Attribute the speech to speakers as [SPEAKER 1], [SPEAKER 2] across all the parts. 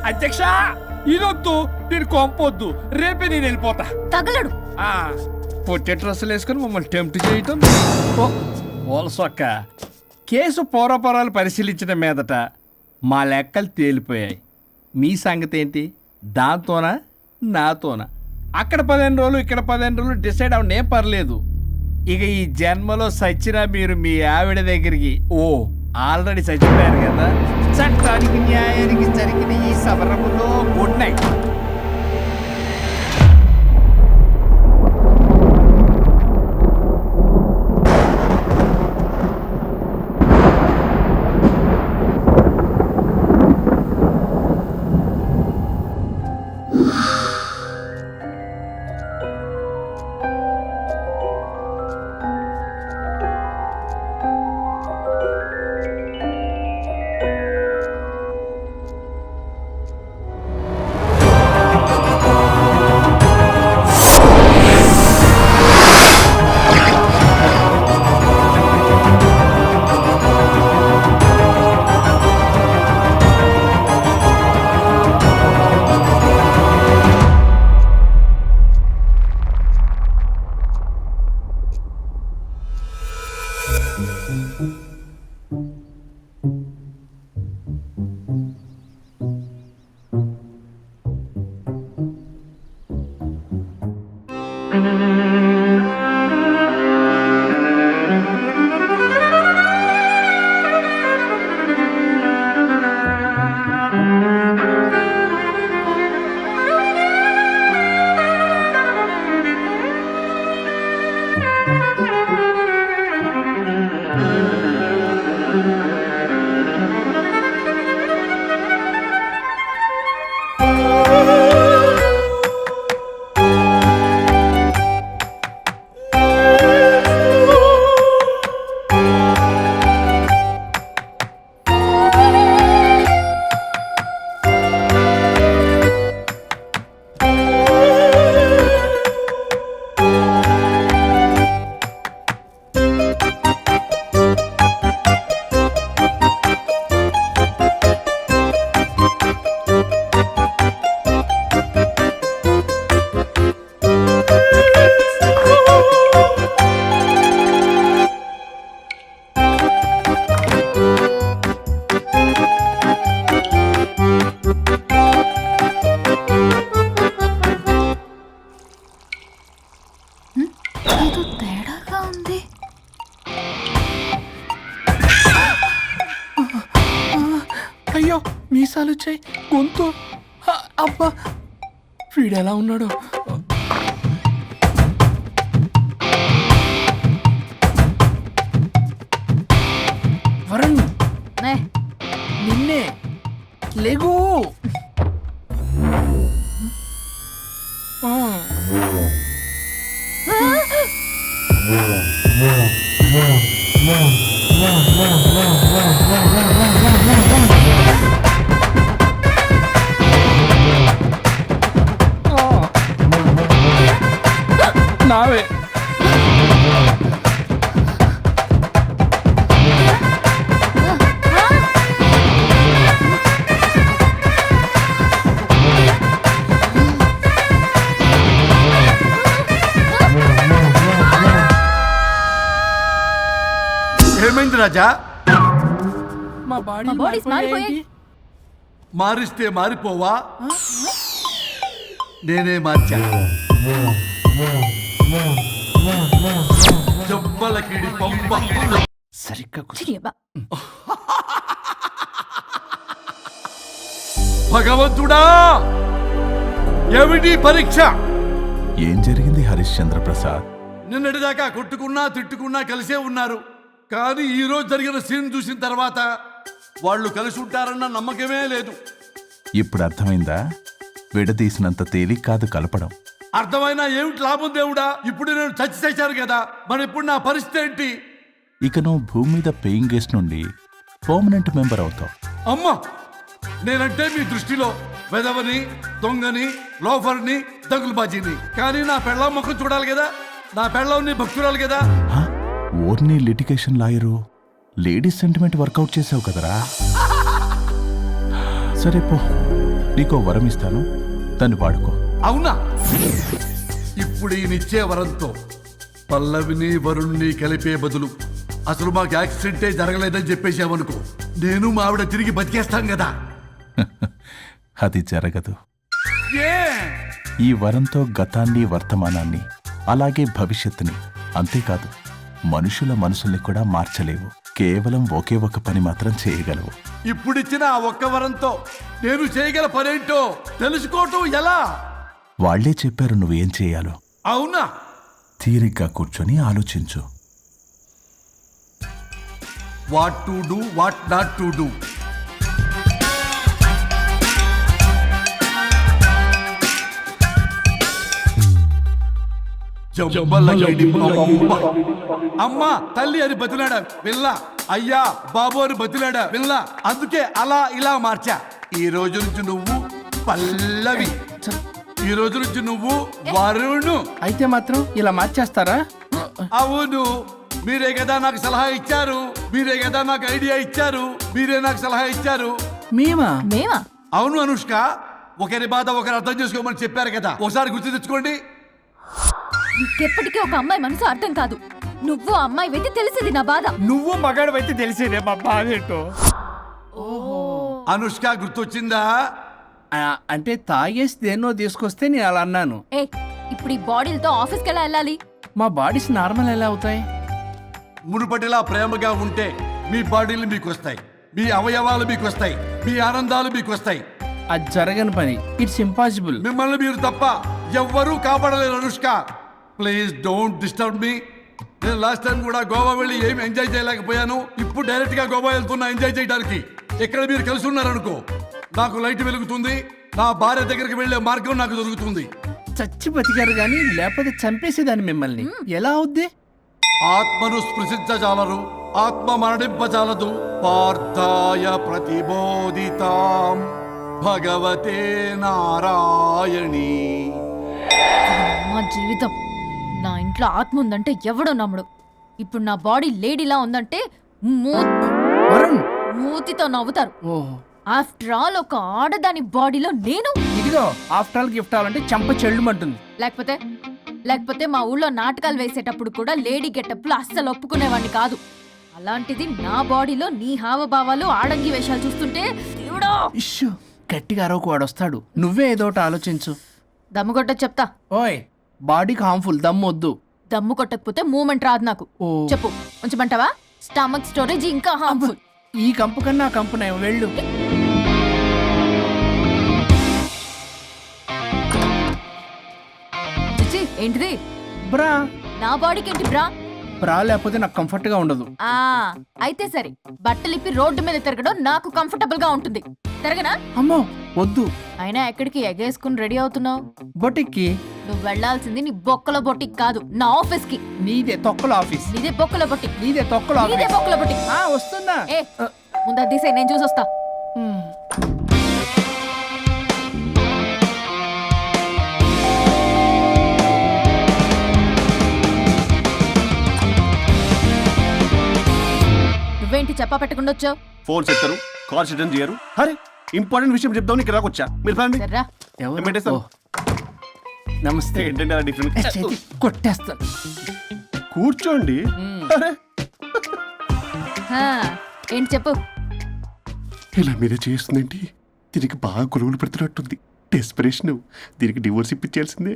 [SPEAKER 1] అధ్యక్ష ఇదొద్దు, నేను కొంపొద్దు, రేపే నేను వెళ్ళిపోతా.
[SPEAKER 2] తగలడు.
[SPEAKER 1] పొట్టె డ్రెస్సులు వేసుకుని మమ్మల్ని టెంప్ట్ చేయటం. ఓలసొక్క కేసు పూర్వపరాలు పరిశీలించిన మీదట మా లెక్కలు తేలిపోయాయి. మీ సంగతి ఏంటి? దాంతోనా నాతోనా? అక్కడ 15 రోజులు ఇక్కడ 15 రోజులు డిసైడ్ అవనే పర్లేదు. ఇక ఈ జన్మలో సచ్చినా మీరు మీ ఆవిడ దగ్గరికి ఆల్రెడీ చచ్చిపోయారు కదా. చట్టానికి న్యాయానికి జరిగిన ఈ సమరములో గుడ్ నైట్.
[SPEAKER 3] అయ్యో మీసాలు వచ్చాయి, గొంతు. అబ్బా వీడెలా ఉన్నాడు? వరుణ్ నిన్నే లేగు.
[SPEAKER 1] నావే
[SPEAKER 4] ఏమైంది రాజా?
[SPEAKER 3] మా బాడీస్ మారిపోయాయి.
[SPEAKER 4] మారిస్తే మారిపోవా? నేనే మార్చా. జబ్బలకిడి పంప
[SPEAKER 1] సరిగ్గా
[SPEAKER 4] భగవంతుడా, ఏమిటి పరీక్ష?
[SPEAKER 5] ఏం జరిగింది హరిశ్చంద్ర ప్రసాద్?
[SPEAKER 4] నిన్నటిదాకా కొట్టుకున్నా తిట్టుకున్నా కలిసే ఉన్నారు. కానీ ఈ రోజు జరిగిన సీన్ చూసిన తర్వాత వాళ్ళు కలిసి ఉంటారన్న నమ్మకమే లేదు.
[SPEAKER 5] ఇప్పుడు అర్థమైందా? విడదీసినంత తేలిక కాదు కలపడం.
[SPEAKER 4] అర్థమైనా ఏమిటి లాభం దేవుడా? ఇప్పుడు నేను చచ్చి చేశాను కదా, మరి ఇప్పుడు నా పరిస్థితి ఏంటి?
[SPEAKER 5] ఇక నువ్వు భూమి మీద పేయింగ్ గెస్ట్ నుండి పర్మనెంట్ మెంబర్ అవుతావు.
[SPEAKER 4] అమ్మా, నేనంటే మీ దృష్టిలో వెదవని, దొంగని, లోఫర్ని, దగులుబాజీని. కానీ నా పెళ్ళం ముఖం చూడాలి కదా, నా పెళ్ళం నీ భక్తురాలు కదా.
[SPEAKER 5] ఓర్ని litigation lawyer, ladies sentiment work out చేసావు కదరా. సరే పో, నీకో వరం ఇస్తాను, దాన్ని వాడుకో.
[SPEAKER 4] అవునా? ఇప్పుడు ఈయనిచ్చే వరంతో పల్లవిని వరుణ్ణి కలిపే బదులు అసలు మాకు యాక్సిడెంటే జరగలేదని చెప్పేసామనుకో, నేను మా ఆవిడ తిరిగి బతికేస్తాం కదా.
[SPEAKER 5] అది జరగదు.
[SPEAKER 4] ఏ
[SPEAKER 5] ఈ వరంతో గతాన్ని, వర్తమానాన్ని, అలాగే భవిష్యత్తుని, అంతేకాదు మనుషుల మనసుల్ని కూడా మార్చలేవు. కేవలం ఒకే ఒక పని మాత్రం చేయగలవు.
[SPEAKER 4] ఇప్పుడిచ్చిన ఆ ఒక్క వరంతో నేను చేయగల పనేంటో తెలుసుకోవటం ఎలా?
[SPEAKER 5] వాళ్లే చెప్పారు నువ్వేం చేయాలో.
[SPEAKER 4] అవునా?
[SPEAKER 5] తీరిగ్గా కూర్చొని ఆలోచించు.
[SPEAKER 4] What to do, what not to do. అమ్మా తల్లి అని బతిలాడా పిల్ల, అయ్యా బాబు అని బతిలాడా పిల్ల. అందుకే అలా ఇలా మార్చా. ఈ రోజు నుంచి నువ్వు పల్లవి, ఈ రోజు నుంచి నువ్వు వరుణు.
[SPEAKER 3] అయితే మాత్రం ఇలా మార్చేస్తారా?
[SPEAKER 4] అవును, మీరే కదా నాకు సలహా ఇచ్చారు, మీరే కదా నాకు ఐడియా ఇచ్చారు, మీరే నాకు సలహా ఇచ్చారు.
[SPEAKER 3] మేమా?
[SPEAKER 4] అవును అనుష్క, ఒకరి బాధ ఒకరు అర్థం చేసుకోమని చెప్పారు కదా, ఒకసారి గుర్తు తెచ్చుకోండి.
[SPEAKER 2] ఎప్పటికీ ఒక అమ్మాయి మనసు అర్థం కాదు. నువ్వు అమ్మాయి వెతి తెలిసింది నా బాధ.
[SPEAKER 1] నువ్వు మగాడు అయితే తెలిసేదే మా బాధ ఏంటో.
[SPEAKER 4] అనుష్క గుర్తొచ్చిందా?
[SPEAKER 3] అంటే తాగేసి దేన్నో తీసుకొస్తే నేను అలా అన్నాను.
[SPEAKER 2] ఏ ఇప్పుడు ఈ బాడీలతో ఆఫీస్కి ఎలా వెళ్ళాలి?
[SPEAKER 3] మా బాడీస్ నార్మల్ ఎలా అవుతాయి?
[SPEAKER 4] మునుపటిలా ప్రేమగా ఉంటే మీ బాడీలు మీకు వస్తాయి, మీ అవయవాలు మీకు వస్తాయి, మీ ఆనందాలు మీకు వస్తాయి.
[SPEAKER 3] అది జరగని పని. It's impossible.
[SPEAKER 4] మిమ్మల్ని మీరు తప్ప ఎవ్వరూ కాపాడలేరు Anushka. Please don't disturb me. నేను లాస్ట్ టైం కూడా గోవా వెళ్ళి ఏం ఎంజాయ్ చేయలేకపోయాను. ఇప్పుడు డైరెక్ట్ గా గోవా వెళ్తున్నా ఎంజాయ్ చేయడానికి. ఇక్కడ మీరు కలిసి ఉన్నారనుకో, నాకు లైట్ వెలుగుతుంది, నా భార్య దగ్గరికి వెళ్లే మార్గం నాకు దొరుకుతుంది.
[SPEAKER 3] చచ్చి బతికారు గాని లేకపోతే చంపేసేదాన్ని మిమ్మల్ని. ఎలా అవుద్ది?
[SPEAKER 4] ఆత్మను స్పృశించజాలరు, ఆత్మ మరణింపజాలదు. పార్థాయ ప్రతిబోధితాం భగవతే నారాయణి.
[SPEAKER 2] మా జీవితం, నా ఇంట్లో ఆత్మ ఉందంటే ఎవడో నమ్ముడు. ఇప్పుడు నా బాడీ లేడీలా ఉందంటే
[SPEAKER 3] వరుణ్,
[SPEAKER 2] మూతితో నవ్వుతారు.
[SPEAKER 3] ఓహో,
[SPEAKER 2] ఆఫ్టర్ ఆల్ ఒక ఆడదాని బాడీలో నేను.
[SPEAKER 3] ఇదిగో ఆఫ్టర్ ఆల్ గిఫ్ట్ అవ్వాలంటే చంప చెల్లుమంటుంది.
[SPEAKER 2] లేకపోతే మా ఊళ్ళో నాటకాలు వేసేటప్పుడు కూడా లేడీ గెటప్లు అస్సలు ఒప్పుకునేవాడిని కాదు. అలాంటిది నా బాడీలో నీ హావభావాలు, ఆడంగి వేషాలు చూస్తుంటే దేవుడో.
[SPEAKER 3] ఇష్యూ, గట్టిగా అరవకు, వాడు వస్తాడు. నువ్వే ఏదో ఒకటి ఆలోచించు.
[SPEAKER 2] దమ్ము కొట్ట చెప్తా.
[SPEAKER 3] ఓయ్, బాడీకి హార్మ్ఫుల్, దమ్ము వద్దు.
[SPEAKER 2] దమ్ము కొట్టకపోతే మూమెంట్ రాదు నాకు.
[SPEAKER 3] ఓ.
[SPEAKER 2] చెప్పు, ఉంచమంటావా? స్టమక్ స్టోరేజ్ ఇంకా హార్మ్ఫుల్.
[SPEAKER 3] ఈ కంపు కన్నా ఆ కంపు నయం, వెళ్ళు.
[SPEAKER 2] చిచ్చి, ఏంటిది?
[SPEAKER 3] బ్రా.
[SPEAKER 2] నా బాడీకి ఏంటి బ్రా?
[SPEAKER 3] బ్రా లేకపోతే నాకు కంఫర్ట్ గా ఉండదు.
[SPEAKER 2] ఆ అయితే సరే, బట్టలిప్పి రోడ్డు మీద తిరగడం నాకు కంఫర్టబుల్ గా ఉంటుంది. తిరగనా?
[SPEAKER 3] అమ్మో వద్దు.
[SPEAKER 2] అయినా ఎక్కడికి ఎగేసుకుని రెడీ అవుతున్నావు?
[SPEAKER 3] బొటిక్కి.
[SPEAKER 2] నువ్వు వెళ్లాల్సింది నీ బొక్కల బొట్టికి కాదు, నా ఆఫీస్ కి.
[SPEAKER 3] నీదే తొక్కల ఆఫీస్.
[SPEAKER 2] నీదే బొక్కల బొట్టికి.
[SPEAKER 3] నీదే తొక్కల
[SPEAKER 2] నీదే
[SPEAKER 3] ఆఫీస్.
[SPEAKER 2] బొక్కల బొట్టికి.
[SPEAKER 3] వస్తుందా?
[SPEAKER 2] ఏ ముందు అది తీసేయ్, నేను చూసొస్తా. నువ్వేంటి చెప్పా పెట్టకుండా వచ్చావు?
[SPEAKER 6] ఫోన్ చేస్తారు, కాల్ అటెండ్ చేయరు. అరే ఇంపార్టెంట్ విషయం చెప్తామని ఇక్కడ వచ్చా. మీరు ఫ్యామిలీ
[SPEAKER 2] సర్రా.
[SPEAKER 3] ఎవరు?
[SPEAKER 6] పెట్టేస్తాను.
[SPEAKER 3] ఓ. నమస్తే.
[SPEAKER 6] ఏంటంటే అలా డిఫరెంట్.
[SPEAKER 3] చేతి కొట్టేస్తాను.
[SPEAKER 6] కూర్చోండి. అరే
[SPEAKER 2] హా, ఏంటి చెప్పు.
[SPEAKER 6] ఇలా మీరే చేస్తుందేంటి? దీనికి బాగా గొలుగులు పెడుతున్నట్టుంది. డెస్పిరేషన్. దీనికి డివోర్స్ ఇప్పించాల్సిందే.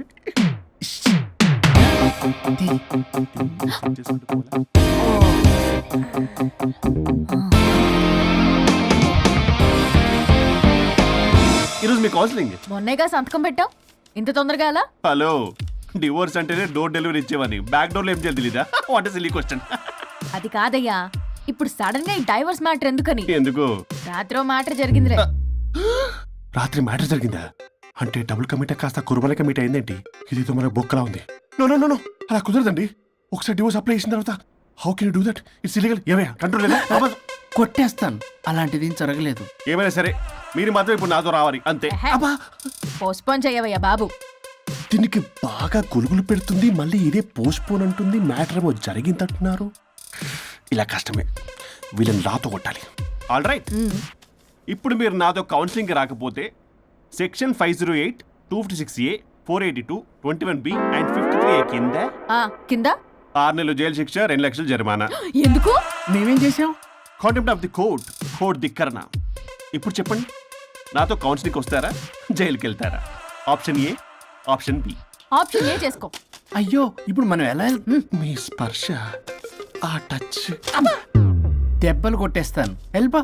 [SPEAKER 6] ఈరోజు మీ కౌన్సిలింగ్.
[SPEAKER 2] మొన్నేగా సంతకం పెట్టావు, ఇంత తొందరగా అలా?
[SPEAKER 6] హలో, డివోర్స్ అంటేనే డోర్ డెలివరీ ఇచ్చేవని, బ్యాక్ డోర్ లో ఏం చేయాలి తెలీదా? What is silly question.
[SPEAKER 2] అది కాదయ్యా, ఇప్పుడు సడన్ గా ఈ డైవర్స్ మ్యాటర్ ఎందుకని?
[SPEAKER 6] ఎందుకు?
[SPEAKER 2] రాత్రో మ్యాటర్ జరిగిందిలే.
[SPEAKER 6] రాత్రి మ్యాటర్ జరిగిందా? అంటే డబుల్ కమిట్ కాస్త కురుమల కమిట్ అయిందేంటి? ఇదేదో మనకు బొక్కలా ఉంది. నో నో నో నో, అలా కుదరదండి. ఒకసారి డివోర్స్ అప్లై చేసిన తర్వాత how can you do that? It's illegal. ఏమయ్యా కంట్రోల్ లేదా?
[SPEAKER 3] కొట్టేస్తాను. అలాంటిది ఏం జరగలేదు.
[SPEAKER 6] ఏమైనా సరే మీరు మాత్రం ఇప్పుడు నాతో రావాలి అంతే.
[SPEAKER 2] పోస్ట్పోన్ చేయవయ్యా బాబు.
[SPEAKER 6] దీనికి బాగా గొలుగులు పెడుతుంది, మళ్ళీ ఇదే పోస్ట్పోన్ అంటుంది. మ్యాటర్ ఏమో జరిగిందంటున్నారు. ఇలా కష్టమే, వీళ్ళని నాతో కొట్టాలి. ఆల్ రైట్, ఇప్పుడు మీరు నాతో కౌన్సిలింగ్కి రాకపోతే section 508, 256A, 482, 21B and 53A కింద
[SPEAKER 2] ఆ కింద
[SPEAKER 6] 6 నెలలు జైలు శిక్ష, 2 లక్షలు జరిమానా.
[SPEAKER 2] ఎందుకు?
[SPEAKER 3] మేమేం చేసాం?
[SPEAKER 6] Contempt of the court, court ధిక్కరణ. ఇప్పుడు చెప్పండి, నాతో కౌన్సిలింగ్కి వస్తారా, జైలుకి వెళ్తారా? Option A, option B.
[SPEAKER 2] Option A చేసుకో.
[SPEAKER 3] అయ్యో ఇప్పుడు మనం ఎలా
[SPEAKER 6] మీ స్పర్శ, ఆ టచ్.
[SPEAKER 3] దెబ్బలు కొట్టేస్తాను. వెళ్ళిపో.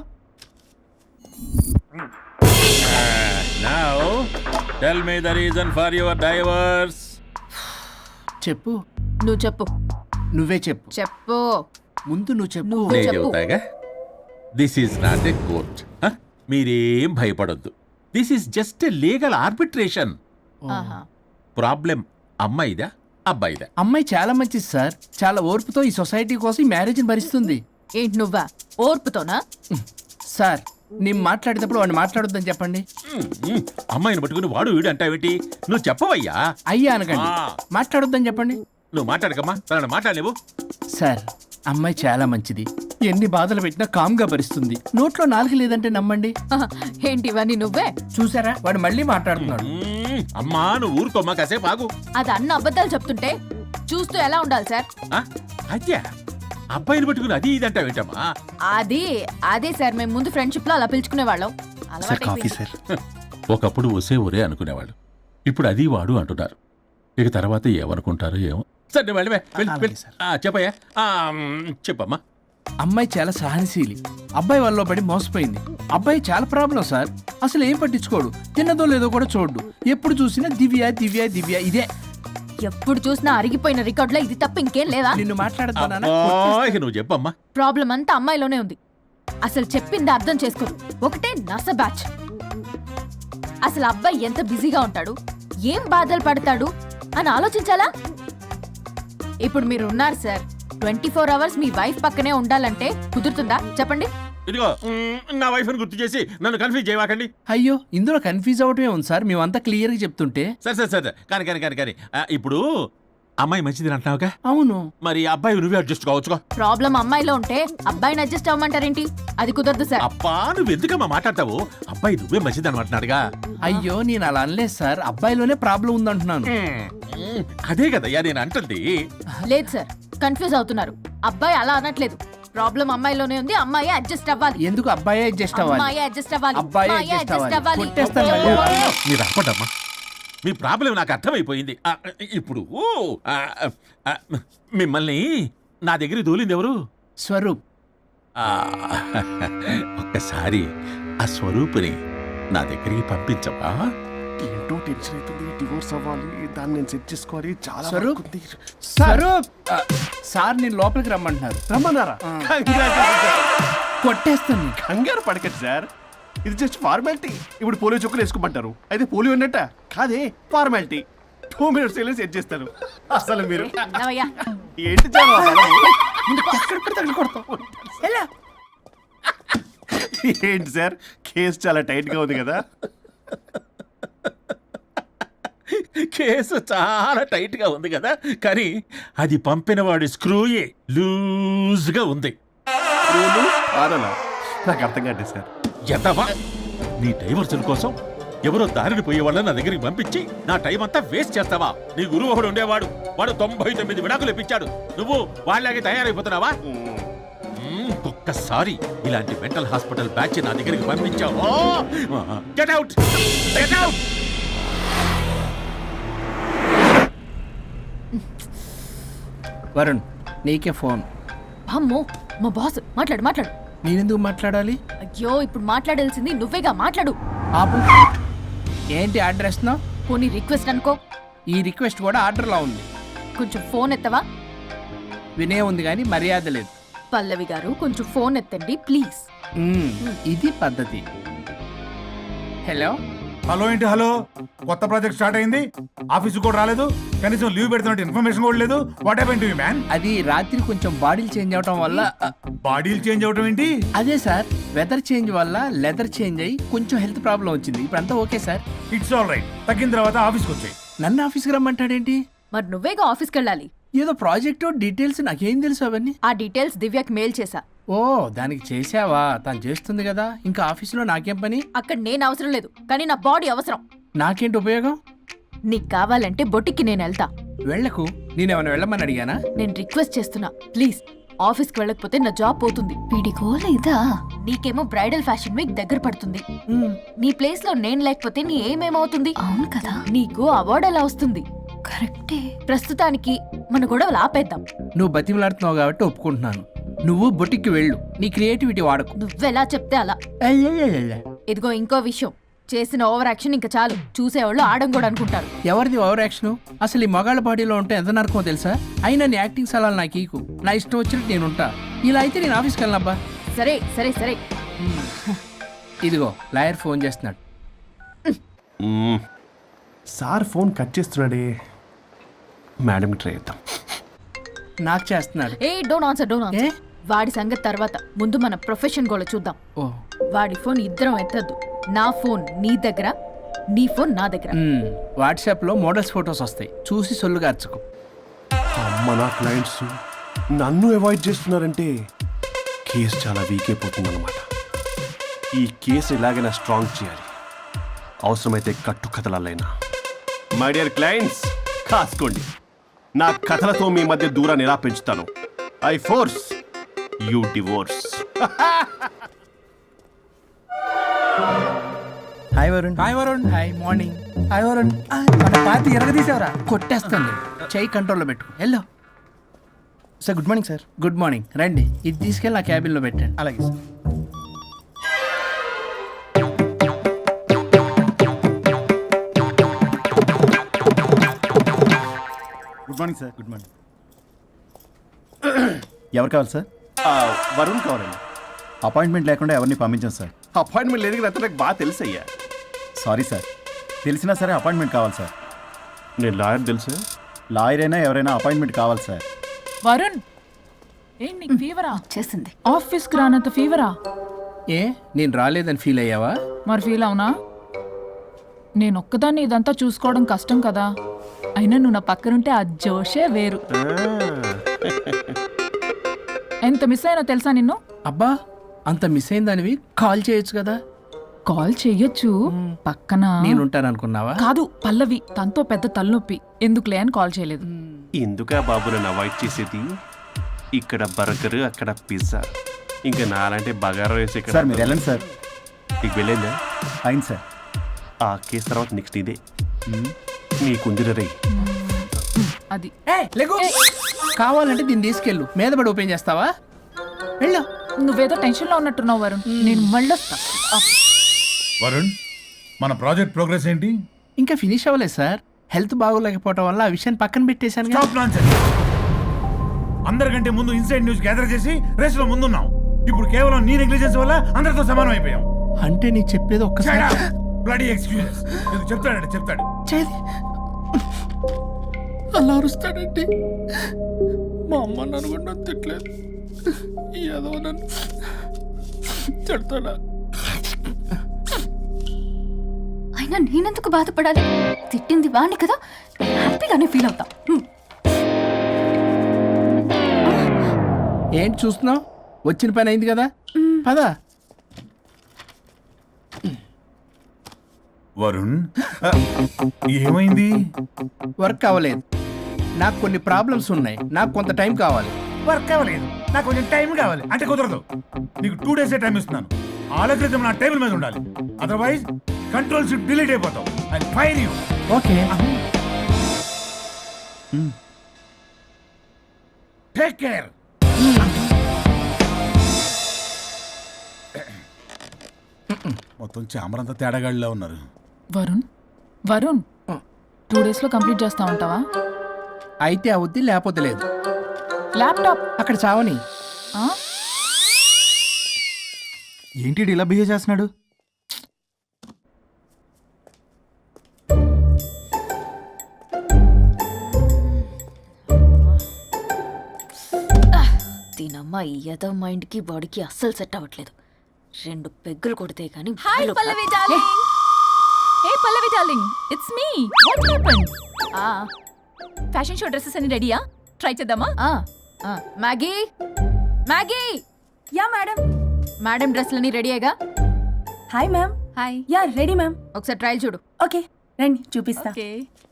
[SPEAKER 7] Now, tell me the reason for your divorce.
[SPEAKER 3] చెప్పు.
[SPEAKER 2] నువ్వు చెప్పు.
[SPEAKER 3] నువ్వే చెప్పు.
[SPEAKER 2] చెప్పు.
[SPEAKER 3] ముందు నువ్వు చెప్పు.
[SPEAKER 2] నువ్వు
[SPEAKER 7] నేను
[SPEAKER 2] చెప్పు.
[SPEAKER 7] చెబుతాగా. This is not a court. మీరేం భయపడొద్దు. This is just a legal arbitration.
[SPEAKER 2] ఆహా.
[SPEAKER 7] ప్రాబ్లం అమ్మాయిదా అబ్బాయిదా?
[SPEAKER 3] అమ్మాయి చాలా మంచిది సార్. చాలా ఓర్పుతో ఈ సొసైటీ కోసం ఈ మ్యారేజ్ని భరిస్తుంది.
[SPEAKER 2] ఏంటి నువ్వా? ఓర్పుతోనా?
[SPEAKER 3] సార్ నేను మాట్లాడేటప్పుడు వాడిని మాట్లాడొద్దని చెప్పండి.
[SPEAKER 7] అమ్మాయిని పట్టుకుని వాడు వీడు అంటావేంటి? నువ్వు చెప్పవయ్యా.
[SPEAKER 3] అయ్యా అనకండి.
[SPEAKER 7] ఆ.
[SPEAKER 3] మాట్లాడొద్దని చెప్పండి.
[SPEAKER 7] నువ్వు మాట్లాడకమ్మా, తనని మాట్లాడలేవు.
[SPEAKER 3] సార్ అమ్మాయి చాలా మంచిది. ఎన్ని బాధలు పెట్టినా కామ్గా భరిస్తుంది. నోట్లో నాలుగు లేదంటే నమ్మండి.
[SPEAKER 2] ఆహా. ఏంటి ఇవన్నీ నువ్వే?
[SPEAKER 3] చూసారా వాడు మళ్ళీ మాట్లాడుతున్నాడు.
[SPEAKER 7] అమ్మా నువ్వు ఊరుకోమ్మా, కాసేపు ఆగు.
[SPEAKER 2] అది అన్న అబద్ధాలు చెప్తుంటే చూస్తూ ఎలా ఉండాలి సార్?
[SPEAKER 7] అద్యా అబ్బాయిని పట్టుకుని అది ఇది అంటావేంటమ్మా?
[SPEAKER 2] అదే సార్, మేము ముందు ఫ్రెండ్షిప్ లో అలా పిలుచుకునే వాళ్ళం.
[SPEAKER 6] Sir coffee sir.
[SPEAKER 7] ఒకప్పుడు ఒసే ఒరే అనుకునేవాళ్ళు, ఇప్పుడు అది వాడు అంటున్నారు. ఇక తర్వాత ఏమనుకుంటారో ఏమో. సరే నువ్వు వెళ్ళవే, వెళ్ళు, వెళ్ళు. చెప్పయ్యా. చెప్పమ్మా.
[SPEAKER 3] అమ్మాయి చాలా సహనశీలి. అబ్బాయి వాళ్ళలో పడి మోసపోయింది. అబ్బాయి చాలా ప్రాబ్లం సార్. అసలు ఏం పట్టించుకోడు. తిన్నదో లేదో కూడా చూడు. ఎప్పుడు చూసినా దివ్య దివ్య దివ్య ఇదే.
[SPEAKER 2] ఎప్పుడు చూసినా అరిగిపోయిన రికార్డులో ఇది తప్ప ఇంకేం లేదా?
[SPEAKER 3] నిన్ను మాట్లాడుతున్నా.
[SPEAKER 7] అబ్బా, ఇక నువ్వు చెప్పమ్మా.
[SPEAKER 2] ప్రాబ్లం అంతా అమ్మాయిలోనే ఉంది. అసలు చెప్పింది అర్థం చేసుకోరు. ఒకటే నస బ్యాచ్. అసలు అబ్బాయి ఎంత బిజీగా ఉంటాడు, ఏం బాధలు పడతాడు అని ఆలోచించాలా? ఇప్పుడు మీరు ఉన్నారు సార్, 24 అవర్స్ మీ వైఫ్ పక్కనే ఉండాలంటే కుదురుతుందా చెప్పండి?
[SPEAKER 7] ఇదిగో నా వైఫ్ ని గుర్తు చేసి నన్ను కన్ఫ్యూజ్ చేయవాకండి.
[SPEAKER 3] అయ్యో ఇందులో కన్ఫ్యూజ్ అవటమే ఉంది సార్. మేమంతా క్లియర్ గా చెప్తుంటే.
[SPEAKER 7] సరే సరే సరే కానీ ఇప్పుడు అమ్మాయి మంచిది అంటున్నావుగా,
[SPEAKER 3] అవును.
[SPEAKER 7] మరి అబ్బాయి నువ్వే అడ్జస్ట్ కావచ్చుగా.
[SPEAKER 2] ప్రాబ్లం అమ్మాయిలో ఉంటే అబ్బాయిని అడ్జస్ట్ అవ్వమంటారేంటి? అది కుదరదు సార్.
[SPEAKER 7] అబ్బా నువ్వు ఎందుకమ్మా మాట్లాడతావు? అబ్బాయి నువ్వే మంచిది అనమాటున్నాడుగా.
[SPEAKER 3] అయ్యో నేను అలా అనలేదు సార్. అబ్బాయిలోనే ప్రాబ్లం ఉందంటున్నాను.
[SPEAKER 7] అదే కదయ్యా నేను అంటుంది.
[SPEAKER 2] లేదు సార్, కన్ఫ్యూజ్ అవుతున్నారు. అబ్బాయి అలా అనట్లేదు. ప్రాబ్లం అమ్మాయిలోనే ఉంది. అమ్మాయి అడ్జస్ట్ అవ్వాలి.
[SPEAKER 3] ఎందుకు అబ్బాయి అడ్జస్ట్ అవ్వాలి?
[SPEAKER 2] అమ్మాయి అడ్జస్ట్ అవ్వాలి.
[SPEAKER 3] అబ్బాయి
[SPEAKER 2] అమ్మాయి
[SPEAKER 3] adjust
[SPEAKER 2] adjust
[SPEAKER 3] అవ్వాలి.
[SPEAKER 2] అవ్వాలి.
[SPEAKER 3] కొట్టేస్తాను మళ్ళీ.
[SPEAKER 7] మీరు అప్పటమ్మా, మీ ప్రాబ్లం నాకు అర్థమైపోయింది. ఇప్పుడు మిమ్మల్ని నా దగ్గరికి దూలింది ఎవరు?
[SPEAKER 3] స్వరూప్.
[SPEAKER 7] ఆ, ఒక్కసారి ఆ స్వరూపుని నా దగ్గరికి పంపించవా?
[SPEAKER 6] ఏంటో టెన్షన్ అవుతుంది. డివోర్స్ అవ్వాలి, దాన్ని నేను సెట్ చేసుకోవాలి. చాలా
[SPEAKER 3] స్వరూప్?
[SPEAKER 6] వర్క్ ఉంది.
[SPEAKER 3] స్వరూప్ సార్ నేను లోపలికి రమ్మంటున్నారు.
[SPEAKER 6] రమ్మన్నారా? Congratulations, sir.
[SPEAKER 3] కొట్టేస్తాను.
[SPEAKER 6] కంగారు పడకండి సార్, ఇది జస్ట్ ఫార్మాలిటీ. ఇప్పుడు పోలియో చుక్కలు వేసుకోమంటారు, అయితే పోలియో ఉన్నట్ట కాదే, ఫార్మాలిటీ. 2 minutes వెళ్ళి సెట్ చేస్తారు. అసలు మీరు
[SPEAKER 2] నవ్వయ్యా.
[SPEAKER 6] ఏంటి చాలా
[SPEAKER 3] ఎలా?
[SPEAKER 6] ఏంటి సార్, కేసు చాలా టైట్ గా ఉంది కదా.
[SPEAKER 7] కేసు చాలా టైట్ గా ఉంది కదా, కానీ అది పంపిన వాడి స్క్రూయే లూజ్ గా ఉంది.
[SPEAKER 6] రూలు ఆనలా నాకు అర్థం కాదు సార్.
[SPEAKER 7] ఎంతవా నీ డైవర్సన్ కోసం ఎవరో దారిని పోయే వాళ్ళని నా దగ్గరికి పంపించి నా టైం అంతా వేస్ట్ చేస్తావా? నీ గురువు ఒకడు ఉండేవాడు, వాడు 99 విడాకులు ఇప్పించాడు. నువ్వు వాళ్ళలాగే తయారైపోతున్నావా? ఒక్కసారి ఇలాంటి మెంటల్ హాస్పిటల్ బ్యాచ్ నా దగ్గరికి పంపించావు. Get out, get out.
[SPEAKER 3] Varun నీకే ఫోన్.
[SPEAKER 2] అమ్మో, మా బాస్. మాట్లాడు మాట్లాడు.
[SPEAKER 3] నేనెందుకు మాట్లాడాలి?
[SPEAKER 2] అయ్యో ఇప్పుడు మాట్లాడాల్సింది నువ్వేగా, మాట్లాడు.
[SPEAKER 3] ఆపు. ఏంటి ఆర్డర్ ఇస్తున్నావు?
[SPEAKER 2] పోనీ రిక్వెస్ట్ అనుకో.
[SPEAKER 3] ఈ రిక్వెస్ట్ కూడా ఆర్డర్లో ఉంది.
[SPEAKER 2] కొంచెం ఫోన్ ఎత్తవా?
[SPEAKER 3] వినే ఉంది కానీ మర్యాద లేదు.
[SPEAKER 2] పల్లవి గారు కొంచెం ఫోన్ ఎత్తండి ప్లీజ్.
[SPEAKER 3] ఇది పద్ధతి. హలో.
[SPEAKER 8] హలో ఏంటి హలో? కొత్త ప్రాజెక్ట్ స్టార్ట్ అయింది, ఆఫీస్ కూడా రాలేదు, కనీసం లీవ్ పెడుతున్నట్టు ఇన్ఫర్మేషన్ కూడా లేదు. What happened to you man?
[SPEAKER 3] అది రాత్రి కొంచెం బాడీలు చేంజ్ అవటం వల్ల.
[SPEAKER 8] బాడీలు చేంజ్ అవటం ఏంటి?
[SPEAKER 3] అదే సార్, వెదర్ చేంజ్ వల్ల లెదర్ చేంజ్ అయ్యి కొంచెం హెల్త్ ప్రాబ్లం వచ్చింది. ఇప్పుడు అంతా okay sir.
[SPEAKER 8] It's all right. తగ్గిన తర్వాత ఆఫీస్కి వచ్చాయి.
[SPEAKER 3] నన్ను ఆఫీస్కి రమ్మంటాడేంటి?
[SPEAKER 2] మరి నువ్వేగా ఆఫీస్కి వెళ్ళాలి.
[SPEAKER 3] ఏదో ప్రాజెక్టు డీటెయిల్స్ నాకేం తెలుసు అవన్నీ.
[SPEAKER 2] ఆ డీటెయిల్స్ దివ్యకి మెయిల్ చేశా.
[SPEAKER 3] ఓ దానికి చేసావా? తను చేస్తుంది కదా, ఇంకా ఆఫీసులో నాకేం పని?
[SPEAKER 2] అక్కడ నేను అవసరం లేదు, కానీ నా బాడీ అవసరం.
[SPEAKER 3] నాకేంటి ఉపయోగం?
[SPEAKER 2] నీకు కావాలంటే బొటిక్కి నేను వెళ్తా.
[SPEAKER 3] వెళ్ళకు, నేనేమైనా వెళ్ళమని అడిగానా?
[SPEAKER 2] నేను రిక్వెస్ట్ చేస్తున్నా, ప్లీజ్. ఆఫీస్కి వెళ్ళకపోతే నా జాబ్ పోతుంది. వీడికో లేదా? నీకేమో బ్రైడల్ ఫ్యాషన్ వీక్ దగ్గర పడుతుంది. నీ ప్లేస్ లో నేను లేకపోతే నీ ఏమేమవుతుంది? అవును కదా. నీకు అవార్డు ఎలా వస్తుంది? కరెక్టే. ప్రస్తుతానికి మన గొడవలు ఆపేద్దాం.
[SPEAKER 3] నువ్వు బతిమలాడుతున్నావు కాబట్టి ఒప్పుకుంటున్నాను. నువ్వు బొటిక్కి వెళ్ళు, నీ క్రియేటివిటీ వాడకు.
[SPEAKER 2] నువ్వెలా చెప్తే అలా. ఇదిగో ఇంకో విషయం, చేసిన ఓవర్ యాక్షన్ ఇంకా చాలు. చూసేవాళ్ళు ఆడం కూడా అనుకుంటారు.
[SPEAKER 3] ఎవరిది ఓవర్ యాక్షన్? అసలు ఈ మగాళ్ళ బాడీలో ఉంటే ఎంత నరకమో తెలుసా? అయినా నీ యాక్టింగ్ సలాలు నాకు ఈకు. నా ఇష్టం వచ్చినట్టు నేను ఉంటా. ఇలా అయితే నేను ఆఫీస్కి వెళ్ళనబ్బా.
[SPEAKER 2] సరే సరే సరే.
[SPEAKER 3] ఇదిగో లాయర్ ఫోన్ చేస్తున్నాడు.
[SPEAKER 6] సార్ ఫోన్ కట్ చేస్తున్నాడే. మేడంకి ట్రై చేద్దాం.
[SPEAKER 3] నాకు చేస్తున్నాడు.
[SPEAKER 2] ఏ డోంట్ ఆన్సర్. వాడి సంగతి తర్వాత, ముందు మన ప్రొఫెషన్ కూడా చూద్దాం.
[SPEAKER 3] ఓ
[SPEAKER 2] వాడి ఫోన్ ఇద్దరం ఎత్తద్దు. నా ఫోన్ నీ దగ్గర, నీ ఫోన్ నా దగ్గర.
[SPEAKER 3] వాట్సాప్లో మోడల్స్ ఫొటోస్ వస్తాయి, చూసి సొల్లుగా అర్చుకో.
[SPEAKER 6] అమ్మ, నా క్లయింట్స్ నన్ను అవాయిడ్ చేస్తున్నారంటే కేసు చాలా వీక్ అయిపోతుంది అనమాట. ఈ కేసు ఎలాగైనా స్ట్రాంగ్ చేయాలి, అవసరమైతే కట్టు కథలైనా. మై డియర్ క్లయింట్స్, కాసుకోండి. నా కథలతో మీ మధ్య దూరాన్ని ఎలా పెంచుతాను. I force you divorce.
[SPEAKER 9] Hi Varun.
[SPEAKER 3] Hi Varun. Hi morning.
[SPEAKER 9] Hi Varun. మన పార్టీ ఎరగదీసావరా?
[SPEAKER 3] కొట్టేస్తాను. చెయ్యి కంట్రోల్లో పెట్టుకో. Hello
[SPEAKER 9] sir, good morning sir.
[SPEAKER 3] Good morning. రండి, ఇది తీసుకెళ్ళి నా క్యాబిన్లో పెట్టండి.
[SPEAKER 9] అలాగే sir. Good morning sir. Good morning. ఎవరు కావాలి సార్?
[SPEAKER 6] వరుణ్ కావాలండి.
[SPEAKER 9] అపాయింట్మెంట్ లేకుండా ఎవరిని పంపించాం సార్.
[SPEAKER 6] అపాయింట్మెంట్ లేదు కదా, నాకు బాగా తెలుసు అయ్యా.
[SPEAKER 9] సారీ సార్, తెలిసినా సరే అపాయింట్మెంట్ కావాలి సార్.
[SPEAKER 6] నేను లాయర్ తెలుసు.
[SPEAKER 9] లాయర్ అయినా ఎవరైనా అపాయింట్మెంట్ కావాలి సార్.
[SPEAKER 10] వరుణ్, ఏంటి నీకు ఫీవరా?
[SPEAKER 2] చేసింది.
[SPEAKER 10] ఆఫీస్కి రానంత ఫీవరా?
[SPEAKER 3] ఏ నేను రాలేదని ఫీల్ అయ్యావా?
[SPEAKER 10] మరి ఫీల్ అవునా? నేను ఒక్కదాన్ని ఇదంతా చూసుకోవడం కష్టం కదా. అయినా నువ్వు నా పక్కనుంటే ఆ జోషే వేరు. ఎంత మిస్ అయినా తెలుసా నిన్ను?
[SPEAKER 3] అబ్బా, అంత మిస్ అయిందానివి కాల్ చేయొచ్చు కదా.
[SPEAKER 10] కాల్ చెయ్యొచ్చు, పక్కన
[SPEAKER 3] నేనుంటాను అనుకున్నావా?
[SPEAKER 10] కాదు, పల్లవి. తనతో పెద్ద తలనొప్పి, ఎందుకులే అని కాల్ చేయలేదు.
[SPEAKER 6] ఎందుకా బాబు నన్ను అవాయిడ్ చేసేది? ఇక్కడ బర్గర్, అక్కడ పిజ్జా, ఇంకా నాలంటే బగారా వేసి ఇక్కడ.
[SPEAKER 9] సార్ మీరు వెళ్ళండి సార్.
[SPEAKER 6] నీకు వెళ్ళిందా?
[SPEAKER 9] అయింది సార్.
[SPEAKER 6] ఆ కేసు తర్వాత నెక్స్ట్ ఇదే నీకుంది రే.
[SPEAKER 10] అది
[SPEAKER 3] కావాలంటే దీన్ని తీసుకెళ్ళు, మీద పడి ఓపెన్ చేస్తావా? వెళ్ళు.
[SPEAKER 10] నువ్వేదో టెన్షన్లో ఉన్నట్టున్నావు వరుణ్. నేను మళ్ళొస్తా.
[SPEAKER 8] వరుణ్, మన ప్రాజెక్ట్ ప్రోగ్రెస్ ఏంటి?
[SPEAKER 3] ఇంకా ఫినిష్ అవ్వలేదు సార్. హెల్త్ బాగోలేకపోవడం వల్ల ఆ విషయాన్ని పక్కన పెట్టేశాను.
[SPEAKER 8] Stop nonsense. అందరికంటే ముందు ఇన్సైడ్ న్యూస్ గ్యాదర్ చేసి రేస్ లో ముందున్నాం. ఇప్పుడు కేవలం నీ నెగ్లిజెన్స్ వల్ల అందరితో సమానం అయిపోయాం.
[SPEAKER 3] అంటే నీ చెప్పేది ఒక్కసారి
[SPEAKER 8] బ్లడీ ఎక్స్క్యూజెస్. ఇది చెప్తాడు.
[SPEAKER 3] చేది అలా అరుస్తాడండి. మా అమ్మ నన్ను కూడా నన్ను తిట్టలేదు, ఏదో నన్ను తిడతాడా?
[SPEAKER 2] అయినా నేనెందుకు బాధపడాలి? తిట్టింది వాణ్ణి కదా, హ్యాపీగానే ఫీల్ అవుతా.
[SPEAKER 3] ఏంటి చూస్తున్నావు? వచ్చిన పని అయింది కదా, పదా.
[SPEAKER 8] వరుణ్, ఏమైంది?
[SPEAKER 3] వర్క్ అవ్వలేదు. నాకు కొన్ని ప్రాబ్లమ్స్ ఉన్నాయి, నాకు కొంత టైం కావాలి.
[SPEAKER 8] వర్క్ అవ్వలేదు, నాకు కొంచెం టైం కావాలి అంటే కుదరదు. నీకు 2 days టైం ఇస్తున్నాను. ఆలోచించడం నా టేబుల్ మీద ఉండాలి. అదర్వైజ్ కంట్రోల్ షిప్ డిలీట్ అయిపోతావు. I fire you.
[SPEAKER 3] Okay.
[SPEAKER 8] Take care. మొత్తం చామరంతా తేడాగాడిలా ఉన్నారు.
[SPEAKER 10] వరుణ్ 2 days లో కంప్లీట్ చేస్తా ఉంటావా?
[SPEAKER 3] అయితే అవుద్ది, లేకపోతే లేదు.
[SPEAKER 10] ల్యాప్టాప్
[SPEAKER 3] అక్కడ చావని.
[SPEAKER 9] ఏంటి ఇలా బిహేవ్ చేస్తున్నాడు?
[SPEAKER 2] దీనమ్మ ఈ ఏదో మైండ్కి బాడీకి అస్సలు సెట్ అవ్వట్లేదు. 2 పెగ్గులు కొడితే కానీ.
[SPEAKER 10] Hi Pallavi darling. Hey Pallavi darling, it's me. What happened? Fashion show dresses అన్ని రెడీయా? ట్రై చేద్దామా?
[SPEAKER 2] Maggie, Maggie, ya madam. Madam డ్రెస్లన్నీ రెడీ అయ్యగా?
[SPEAKER 11] Hi ma'am.
[SPEAKER 2] Hi.
[SPEAKER 11] Ya ready ma'am.
[SPEAKER 2] ఒకసారి ట్రయల్ చూడు.
[SPEAKER 11] ఓకే రండి చూపిస్తా.
[SPEAKER 2] ఓకే.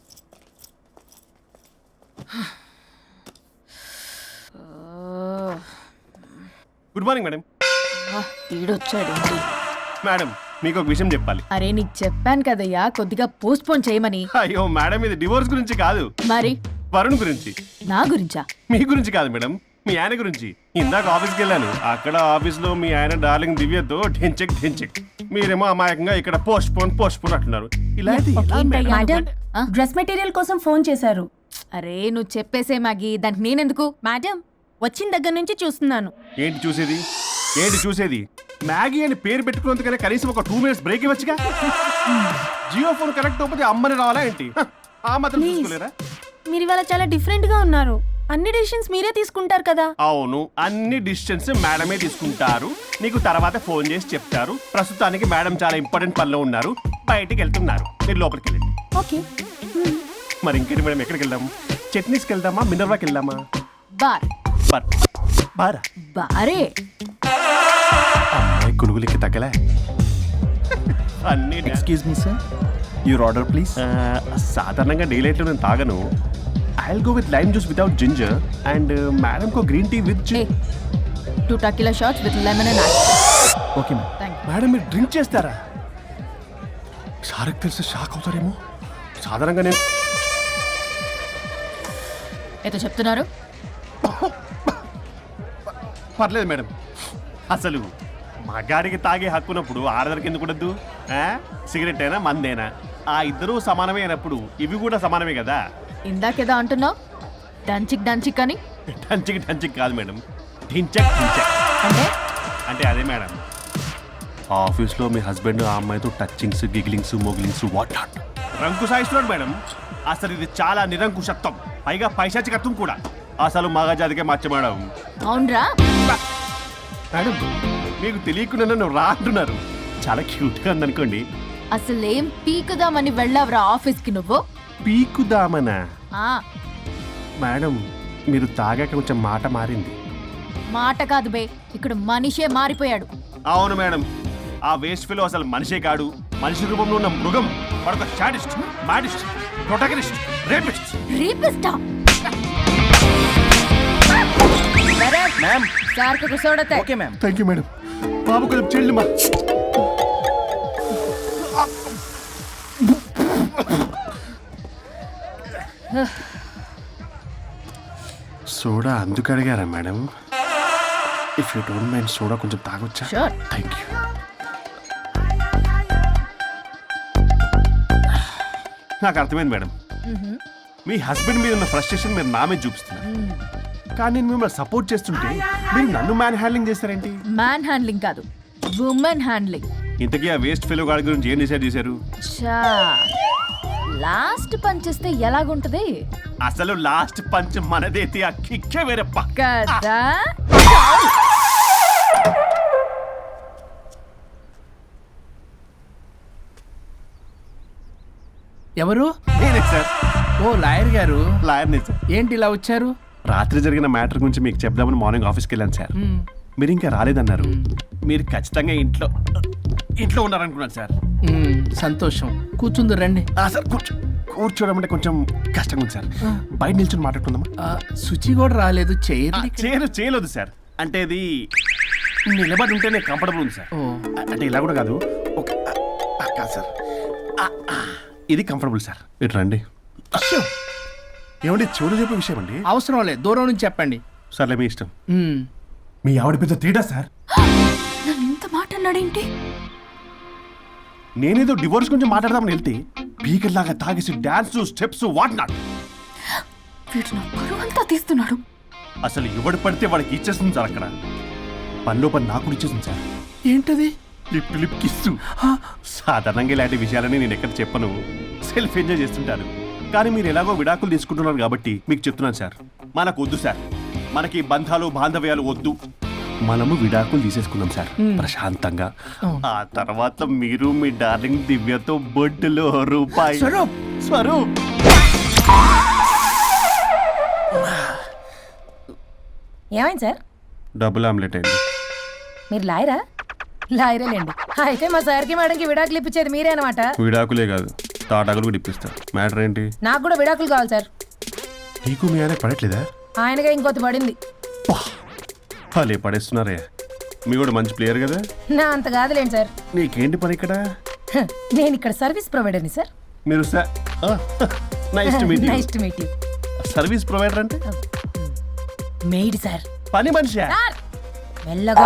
[SPEAKER 6] Good morning madam.
[SPEAKER 2] ఈడొచ్చాడు.
[SPEAKER 6] మేడం మీకు ఒక విషయం చెప్పాలి.
[SPEAKER 2] అరే నీకు చెప్పాను కదయ్యా కొద్దిగా పోస్ట్ పోన్ చేయమని.
[SPEAKER 6] అయ్యో మేడం ఇది డివోర్స్ గురించి కాదు,
[SPEAKER 2] మరి
[SPEAKER 6] వరుణ్ గురించి.
[SPEAKER 2] నా గురించా?
[SPEAKER 6] మీ గురించి కాదు మేడం, మీ ఆయన గురించి. ఇందాక ఆఫీస్కి వెళ్ళాను, అక్కడ ఆఫీస్లో మీ ఆయన డార్లింగ్ దివ్యతో ఢెంచెక్ ఢెంచెక్, మీరేమో అమాయకంగా ఇక్కడ పోస్ట్ పోన్ అంటున్నారు. ఇలా అయితే ఎలా మేడం?
[SPEAKER 11] మేడం
[SPEAKER 2] ఆ?
[SPEAKER 11] డ్రెస్ మెటీరియల్ కోసం ఫోన్ చేశారు.
[SPEAKER 2] అరే నువ్వు చెప్పేసే మ్యాగీ, దానికి నేనెందుకు?
[SPEAKER 11] మేడం వచ్చిన దగ్గర నుంచి చూస్తున్నాను.
[SPEAKER 6] ఏంటి చూసేది? మ్యాగీ అని పేరు పెట్టుకున్నందుకనే కనీసం ఒక 2 minutes బ్రేక్ ఇవ్వచ్చుగా. జియో ఫోన్ కనెక్ట్ అవ్వకపోతే అమ్మని రావాలా ఏంటి? ఆ మాత్రం
[SPEAKER 11] Please.
[SPEAKER 6] చూసుకోలేరా?
[SPEAKER 11] మీరు ఇవాళ చాలా డిఫరెంట్ గా ఉన్నారు. అన్ని డెసిషన్స్ మీరే తీసుకుంటారు కదా.
[SPEAKER 6] అవును, అన్ని డిస్టెన్స్ మేడమే తీసుకుంటారు. నీకు తర్వాత ఫోన్ చేసి చెప్తారు. ప్రస్తుతానికి మేడం చాలా ఇంపార్టెంట్ పనిలో ఉన్నారు, బయటికి వెళ్తున్నారు. మీరు లోపలికి వెళ్ళండి.
[SPEAKER 11] ఓకే.
[SPEAKER 6] మరి ఇంకేంటి మేడం, ఎక్కడికి వెళ్దాం? చట్నీస్కి వెళ్దామా, మినర్వాకి వెళ్దామా?
[SPEAKER 2] బార్.
[SPEAKER 6] బారా?
[SPEAKER 2] బారే.
[SPEAKER 6] అమ్మాయి కునుగులకి తగ్గలే. అన్ని
[SPEAKER 9] excuse me sir, your order please.
[SPEAKER 6] సాధారణంగా డే లైట్లో నేను తాగను. I'll go with lime juice without ginger and madam కో green tea with
[SPEAKER 2] a 2 tequila shots with lemon and ice.
[SPEAKER 9] Okay ma'am.
[SPEAKER 2] Thank you.
[SPEAKER 6] Madam మీరు డ్రింక్ చేస్తారా? సార్కి తెలిసి షాక్ అవుతారేమో. సాధారణంగా నేను
[SPEAKER 2] ఏదో చెప్తున్నారు?
[SPEAKER 6] పర్లేదు మేడం. అసలు మగాడికి తాగే హక్కున్నప్పుడు ఆడదరికి ఎందుకు ఉండద్దు? సిగరెట్ అయినా మందేనా ఆ ఇద్దరూ సమానమే అయినప్పుడు ఇవి కూడా సమానమే కదా.
[SPEAKER 2] ఇందాకేదో అంటున్నావు డంచిక్ అని.
[SPEAKER 6] డంచిక్ కాదు మేడం, ఢించక్.
[SPEAKER 2] అంటే
[SPEAKER 6] అంటే అదే మేడం, ఆఫీస్లో మీ హస్బెండ్ ఆ అమ్మాయితో టచ్చింగ్స్, గిగ్లింగ్స్, మోగిలింగ్స్ వాట్ నాట్ రంకు సాయిస్తున్నాడు మేడం. అసలు ఇది చాలా నిరంకుశత్వం, పైగా పైశాచికత్వం కూడా. అసలు మగజాతికే మచ్చ మేడం.
[SPEAKER 2] అవునరా?
[SPEAKER 6] మేడం మీకు తెలియకుండా నన్ను రా అంటున్నారు. చాలా క్యూట్గా ఉందనుకోండి.
[SPEAKER 2] అసలేం పీకుదామని వెళ్ళావురా ఆఫీస్కి నువ్వు?
[SPEAKER 6] పీకుదామనా?
[SPEAKER 2] ఆ
[SPEAKER 6] మేడం మీరు తాగాక కొంచెం మాట మారింది.
[SPEAKER 2] మాట కాదు బే, ఇక్కడ మనిషే మారిపోయాడు.
[SPEAKER 6] అవును మేడం, ఆ వేస్ట్ ఫెలో అసలు మనిషే కాడు, మనిషి రూపంలో ఉన్న మృగం. మరొక శాడిస్ట్, మాడిస్ట్, ప్రొటగనిస్ట్, రేపిస్ట్.
[SPEAKER 2] రీపిస్టా?
[SPEAKER 9] మ్యామ్.
[SPEAKER 2] సార్ కు కూర్చోడతే.
[SPEAKER 9] Okay ma'am.
[SPEAKER 6] Thank you madam. బాబు కొంచెం చెల్లి మా సోడా అందుకు అడిగారా madam? If you don't mind soda కొంచెం తాగొచ్చా?
[SPEAKER 2] Sure.
[SPEAKER 6] Thank you. నాకు అర్థమైంది మేడం, మీ హస్బెండ్ మీద ఉన్న ఫ్రస్ట్రేషన్ మీరు నా మీద చూపిస్తున్నారు. కానీ నేను మిమ్మల్ని సపోర్ట్ చేస్తుంటే మీరు నన్ను మ్యాన్ హ్యాండ్లింగ్ చేస్తారేంటి?
[SPEAKER 2] మ్యాన్ హ్యాండ్లింగ్ కాదు, ఉమెన్ హ్యాండ్లింగ్.
[SPEAKER 6] ఇంతకీ ఆ వేస్ట్ ఫెలో గాడి గురించి ఏం డిసైడ్ చేశారు?
[SPEAKER 2] చా లాస్ట్ పంచ్ ఇస్తే ఎలాగుంటది
[SPEAKER 6] అసలు లాస్ట్ పంచ్ మనదైతే ఆ కిక్కే వేరే పక్క.
[SPEAKER 2] కదా?
[SPEAKER 3] ఎవరు?
[SPEAKER 6] నేనే సార్,
[SPEAKER 3] ఓ లాయర్ గారు.
[SPEAKER 6] లాయర్నే సార్.
[SPEAKER 3] ఏంటి ఇలా వచ్చారు?
[SPEAKER 6] రాత్రి జరిగిన మ్యాటర్ గురించి మీకు చెప్దామని మార్నింగ్ ఆఫీస్కి వెళ్ళాను సార్. మీరు ఇంకా రాలేదన్నారు. మీరు ఖచ్చితంగా ఇంట్లో ఉన్నారనుకున్నాను సార్.
[SPEAKER 3] సంతోషం. కూర్చుంది రండి.
[SPEAKER 6] సార్ కూర్చోవడం అంటే కొంచెం కష్టంగా ఉంది సార్. బయట నిల్చొని మాట్లాడుకుందామా?
[SPEAKER 3] శుచి కూడా రాలేదు.
[SPEAKER 6] చేయలేదు సార్. అంటే ఇది నిలబడి ఉంటేనే కంఫర్టబుల్ ఉంది సార్. అంటే ఇలా కూడా కాదు, కాదు సార్, ఇది కంఫర్టబుల్ సార్. ఇటు రండి. ఏమండి చెవులు చెప్పే విషయం అండి?
[SPEAKER 3] అవసరం లేదు, దూరం నుంచి చెప్పండి.
[SPEAKER 6] సర్లే మీ ఇష్టం.
[SPEAKER 8] మీ ఆవిడ పెద్ద తేడా సార్.
[SPEAKER 2] నన్ను ఇంత మాట అన్నాడేంటి?
[SPEAKER 6] నేనేదో డివోర్స్ గురించి మాట్లాడదామని వెళ్తే పీకల్లాగా తాగేసి డాన్స్, స్టెప్స్ వాట్ నాట్.
[SPEAKER 2] వీడు నా పరువు అంతా తీస్తున్నాడు.
[SPEAKER 6] అసలు ఎవడు పడితే వాడికి ఇచ్చేస్తుంది సార్. అక్కడ పనిలో పని నాకు కూడా ఇచ్చేసింది సార్.
[SPEAKER 3] ఏంటది?
[SPEAKER 6] Lip kiss. సాధారణంగా ఇలాంటి విషయాలని నేను ఎక్కడ చెప్పను, సెల్ఫ్ ఎంజాయ్ చేస్తుంటాను. కానీ మీరు ఎలాగో విడాకులు తీసుకుంటున్నారు కాబట్టి మీకు చెప్తున్నాను సార్, మనకు వద్దు సార్. మనకి బంధాలు బాంధవ్యాలు వద్దు. మనము విడాకులు తీసేసుకున్నాం సార్ ప్రశాంతంగా. ఆ తర్వాత మీరు మీ డార్లింగ్ దివ్యతో బొడ్డులో రూపాయి. స్వరూప్
[SPEAKER 11] ఏమైంది సార్?
[SPEAKER 6] డబుల్ ఆమ్లెట్ అయింది.
[SPEAKER 11] మీరు లాయరా? లాయరేలేండి. అయితే మా సార్కి మేడంకి విడాకులు ఇప్పించేది మీరే అనమాట.
[SPEAKER 6] విడాకులే కాదు తాటాకులు కూడా ఇప్పిస్తా. మ్యాటర్ ఏంటి?
[SPEAKER 11] నాకు కూడా విడాకులు కావాలి సార్.
[SPEAKER 6] నీకు మీ ఆయన పడట్లేదా?
[SPEAKER 11] ఆయనగా ఇంకొకటి పడింది.
[SPEAKER 6] వాళ్ళే పడేస్తున్నారే. మీ కూడా మంచి ప్లేయర్ కదా.
[SPEAKER 11] నా అంత కాదులేండి సార్.
[SPEAKER 6] నీకేంటి పని ఇక్కడ?
[SPEAKER 11] హ, నేను ఇక్కడ సర్వీస్ ప్రొవైడర్ని సార్.
[SPEAKER 6] మీరు nice to meet
[SPEAKER 11] nice to meet you.
[SPEAKER 6] Service provider అంటే
[SPEAKER 11] మెయిడ్ సార్.
[SPEAKER 6] పని మనిషి.
[SPEAKER 11] సార్ మెల్లగా.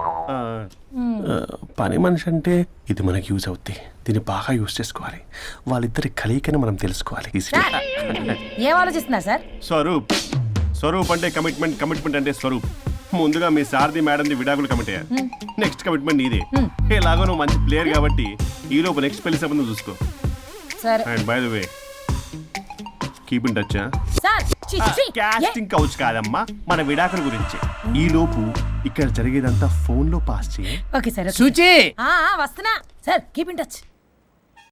[SPEAKER 6] పని మనిషి అంటే ఇది మనకి యూజ్ అవుద్ది. దీన్ని బాగా యూజ్ చేసుకోవాలి. వాళ్ళిద్దరి కలయికని మనం తెలుసుకోవాలి.
[SPEAKER 11] సార్, ఏం ఆలోచిస్తున్నారు సార్?
[SPEAKER 6] స్వరూప్. స్వరూప్ అంటే కమిట్మెంట్, కమిట్మెంట్ అంటే స్వరూప్. ముందుగా మీ సారథి మేడంది విడాకులు కమిట్ అయ్యారు. నెక్స్ట్ కమిట్మెంట్ నీదే. ఎలాగో నువ్వు మంచి ప్లేయర్ కాబట్టి ఈ లోపు నెక్స్ట్ పెళ్లి సంబంధం చూసుకో.
[SPEAKER 11] సరే.
[SPEAKER 6] And by the way keep in touch.
[SPEAKER 11] Sir
[SPEAKER 6] casting couch కాదమ్మా, మన విడాకుల గురించి. ఈ లోపు ఇక్కడ జరిగేదంతా ఫోన్ లో పాస్ చేయి.
[SPEAKER 11] Okay sir.
[SPEAKER 3] సూచి
[SPEAKER 11] వస్తున్నా సార్. Keep in touch.